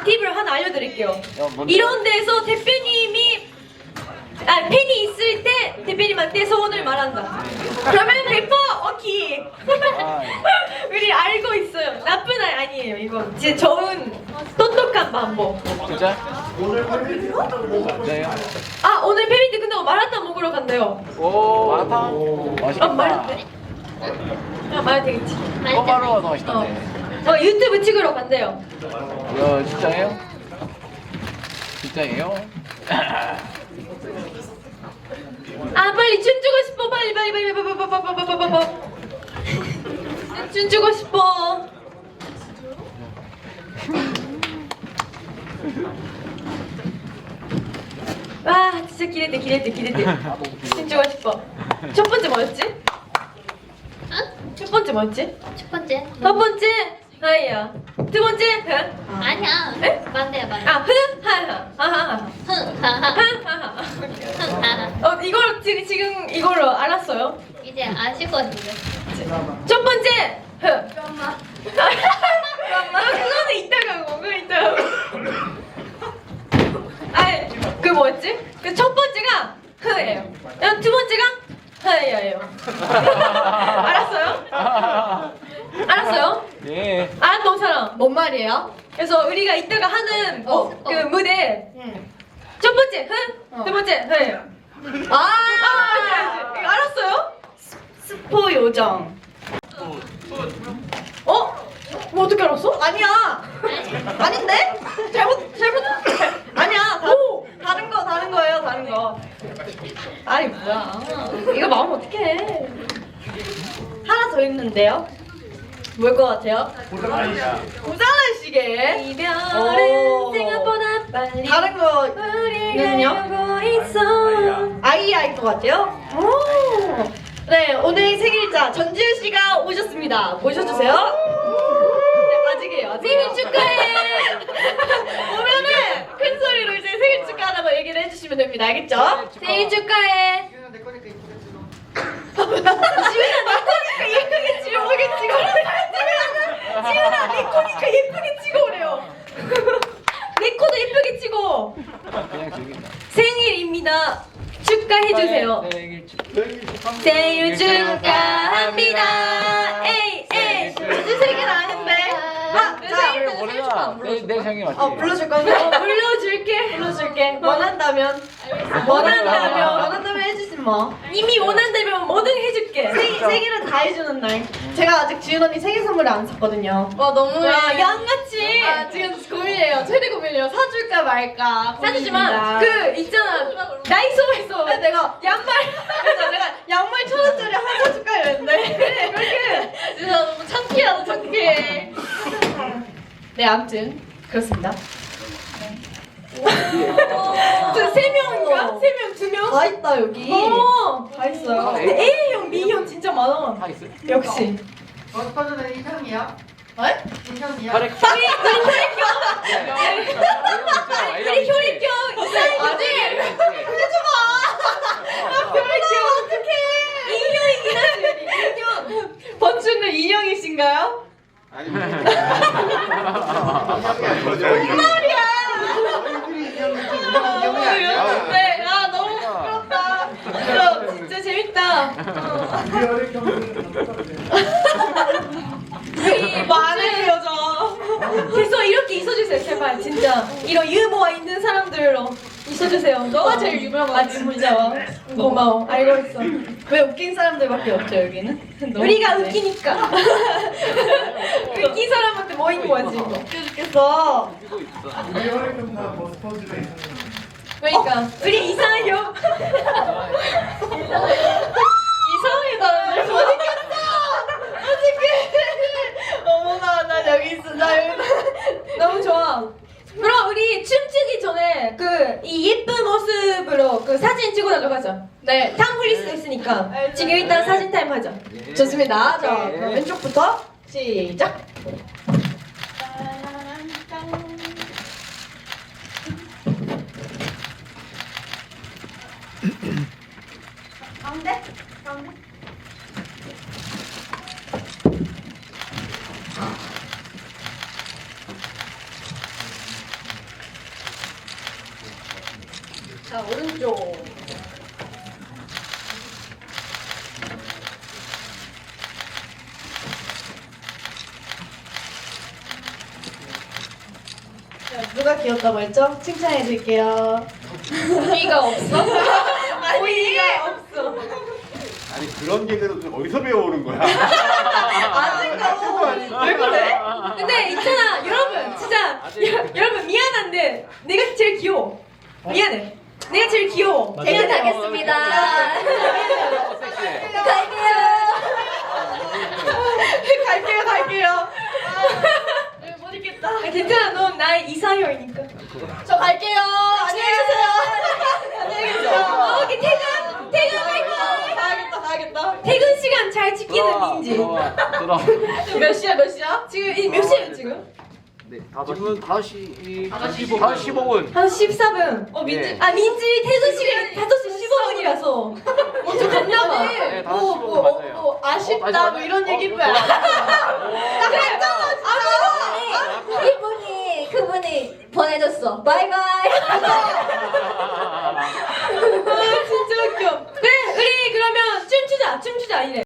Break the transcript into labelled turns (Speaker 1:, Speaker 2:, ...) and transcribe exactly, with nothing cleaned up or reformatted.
Speaker 1: 팁을 하나 알려드릴게요.
Speaker 2: 야, 뭔데?
Speaker 1: 이런 데서 대표님이 아 팬이 있을 때 대표님한테 소원을 말한다. 그러면 백 퍼센트 오케이.
Speaker 2: 아,
Speaker 1: 우리 알고 있어요. 나쁜 아이 아니에요. 이거 진짜 좋은 똑똑한 방법.
Speaker 2: 진짜? 진짜요?
Speaker 1: 아 오늘 팬미팅 끝나고 마라탕 먹으러 간대요.
Speaker 2: 오, 마라탕?
Speaker 1: 아
Speaker 2: 맛있겠다.
Speaker 1: 말해. 아 말해 되겠지.
Speaker 2: 꼬바로워도 맛있던데.
Speaker 1: 어 유튜브 찍으러 간대요.
Speaker 2: 이거 진짜예요? 진짜예요?
Speaker 1: 아 빨리 춤추고 싶어 빨리 빨리 빨리 빨리 빨리 빨리 빨리 빨리 빨리 빨리 춤추고 싶어. 와 진짜 기대돼 기대돼 기대돼. 춤추고 싶어. 첫 번째 뭐였지?
Speaker 3: 응?
Speaker 1: 첫 번째 뭐였지?
Speaker 3: 첫 번째.
Speaker 1: 첫 번째 하이야. 두 번째 흥.
Speaker 3: 아니야.
Speaker 1: 에?
Speaker 3: 반대야 반대.
Speaker 1: 아 흥 하하 하하하
Speaker 3: 흥 하하.
Speaker 1: 하하하.
Speaker 3: 흥 하하.
Speaker 1: 어 이걸 지금 지금 이걸로 알았어요.
Speaker 3: 이제 아실 것 같은데.
Speaker 1: 첫 번째 흥. 잠깐만. 그거는 이따가 하고 그거 이따가 하고. 아이 그 뭐였지? 그 첫 번째가 흐예요. 두 번째가 흐예요. 알았어요? 알았어요?
Speaker 2: 예.
Speaker 1: 알았던 사람 뭔 말이에요? 그래서 우리가 이따가 하는
Speaker 3: 어,
Speaker 1: 어, 그
Speaker 3: 어.
Speaker 1: 무대 첫 번째 흐, 두 번째 흐예요. 아, 아 알지, 알지. 이거 알았어요? 스포 요정. 어? 뭐 어떻게 알았어? 아니야. 아닌데? 잘못 잘못. 아니야. 다, 다른 거 다른 거예요. 다른 거. 아니 뭐야? 이거 마음 어떡해? 하나 더 있는데요. 뭘 것 같아요? 고장난 시계. 이별은 생각보다 빨리. 다른 거는요? 아이아이 것 같아요. 오. 네 오늘 생일자 전지현 씨가 오셨습니다. 모셔주세요. 네, 아직이에요. 아직. 생일 축하해. 오면은 큰 소리로 이제 생일 축하하라고 얘기를 해주시면 됩니다. 알겠죠? 생일 축하해. 지훈아 내 거니까 예쁘게 찍어오게 찍어. 지훈아 내 거니까 예쁘게 찍어오래요. 내 코도 예쁘게 찍어.
Speaker 2: 그냥 즐긴다.
Speaker 1: 생일입니다. 축하해주세요.
Speaker 2: 생일 축하.
Speaker 1: 생일 축하합니다. 에이 에이 무슨 생일 아는데? 아 생일 때는 생일 축하 안 불러줘.
Speaker 2: 내 생일 맞지?
Speaker 1: 어 불러줄 건데? 어 불러줄게. 불러줄게. 원한다면. 원한다면. 원한다면 해주지 뭐. 이미 원한다면 뭐든 해줄게. 생, 생일은 다 해주는 날. 제가 아직 지윤 언니 생일 선물을 안 샀거든요. 와 너무 양같이. 아 지금 고민이에요. 최대 고민이에요. 사줄까 말까. 사주지만 그 있잖아 다이소에서 내가 양말 그래서 내가 양말 천 원짜리 하나 사줄까 이랬는데 그렇게 진짜 너무 창피하다 창피해. 네 아무튼 그렇습니다. 저 세 명인가? 세 명, 두 명? 다 있다 여기. 어, 다 있어요. 근데 A형, B형 진짜 많아.
Speaker 2: 다 있어.
Speaker 1: 역시.
Speaker 4: 버스터즈는 인형이야?
Speaker 1: 어?
Speaker 4: 인형이야?
Speaker 2: 그래.
Speaker 1: 우리 우리 혈액형. 우리 혈액형 이상하지? 해줘봐. 나 혈액형 어떡해? 인형이긴 하지. 인형. 번춘은 인형이신가요?
Speaker 4: 아니
Speaker 1: 뭔 말이야?
Speaker 4: 얼굴이 인형이지 인형이 아니야.
Speaker 1: 네, 아 너무 부끄럽다. 그럼 진짜 재밌다. 우리 많은 여자. 계속 이렇게 있어주세요, 제발 진짜. 이런 유머가 있는 사람들로 있어주세요. 너가 제일 유명한 진짜. 고마워. 알고 있어. 왜 웃긴 사람들밖에 없죠 여기는? 우리가 웃기니까. 웃긴 사람한테 뭐 있는 거지? 웃겨 죽겠어.
Speaker 4: 우리 혈액형 다 버스터즈가 있는
Speaker 1: 그러니까 우리 이상해요. 이상하다는데 못 이겼어. 어떡해. 어머나 나 여기 있어. 나 여기 너무 좋아. 그럼 우리 춤추기 전에 그 이 예쁜 모습으로 그 사진 찍어달라고 하자. 네. 탕 흘릴 수 있으니까 지금 일단 사진 타임 하자. 좋습니다. 자 그럼 왼쪽부터 시작. 가운데? 가운데? 누가 귀엽다고 했죠? 칭찬해 드릴게요. 우리가 없어? 우리가 없어.
Speaker 5: 아니 그런 개그는 좀 어디서 배워오는 거야?
Speaker 1: 아직도 왜 그래?
Speaker 6: 근데 있잖아 여러분 진짜 여, 여러분 미안한데 내가 제일 귀여워. 미안해. 내가 제일 귀여워.
Speaker 3: 제가 가겠습니다.
Speaker 2: 섹시해.
Speaker 3: 갈게요.
Speaker 1: 갈게요, 갈게요.
Speaker 6: 못 있겠다. 아, 괜찮아 넌 나의 이상형이니까.
Speaker 1: 저 갈게요. 안녕히 계세요. 안녕히 계세요.
Speaker 6: 어, 오케이 퇴근 퇴근할 거.
Speaker 1: 가야겠다, 가야겠다.
Speaker 6: 퇴근 시간 잘 지키는
Speaker 2: 들어와,
Speaker 6: 민지.
Speaker 2: 들어와, 들어와.
Speaker 1: 몇 시야, 몇 시야?
Speaker 6: 지금 이 몇 시예요 지금?
Speaker 2: 네, 지금은 다섯 시 다섯 시 십오 분.
Speaker 6: 한 십사 분.
Speaker 1: 어, 민지.
Speaker 2: 예.
Speaker 6: 아 민지 퇴근 시간 다섯 시 십오 분이라서.
Speaker 1: 먼저 갔나 봐.
Speaker 2: 네, 다섯
Speaker 1: 뭐,
Speaker 2: 시
Speaker 1: 뭐,
Speaker 2: 맞아요.
Speaker 1: 어, 뭐, 아쉽다,
Speaker 2: 어, 다시
Speaker 1: 뭐
Speaker 2: 맞아요?
Speaker 1: 이런
Speaker 2: 어,
Speaker 1: 얘기일
Speaker 2: 어,
Speaker 1: 거야.
Speaker 2: 좋아.
Speaker 1: 나 그랬잖아, 진짜.
Speaker 3: 이분이 그분이 보내줬어. 바이바이.
Speaker 6: 아 진짜 웃겨. 그래 우리 그러면 춤추자 춤추자 이래.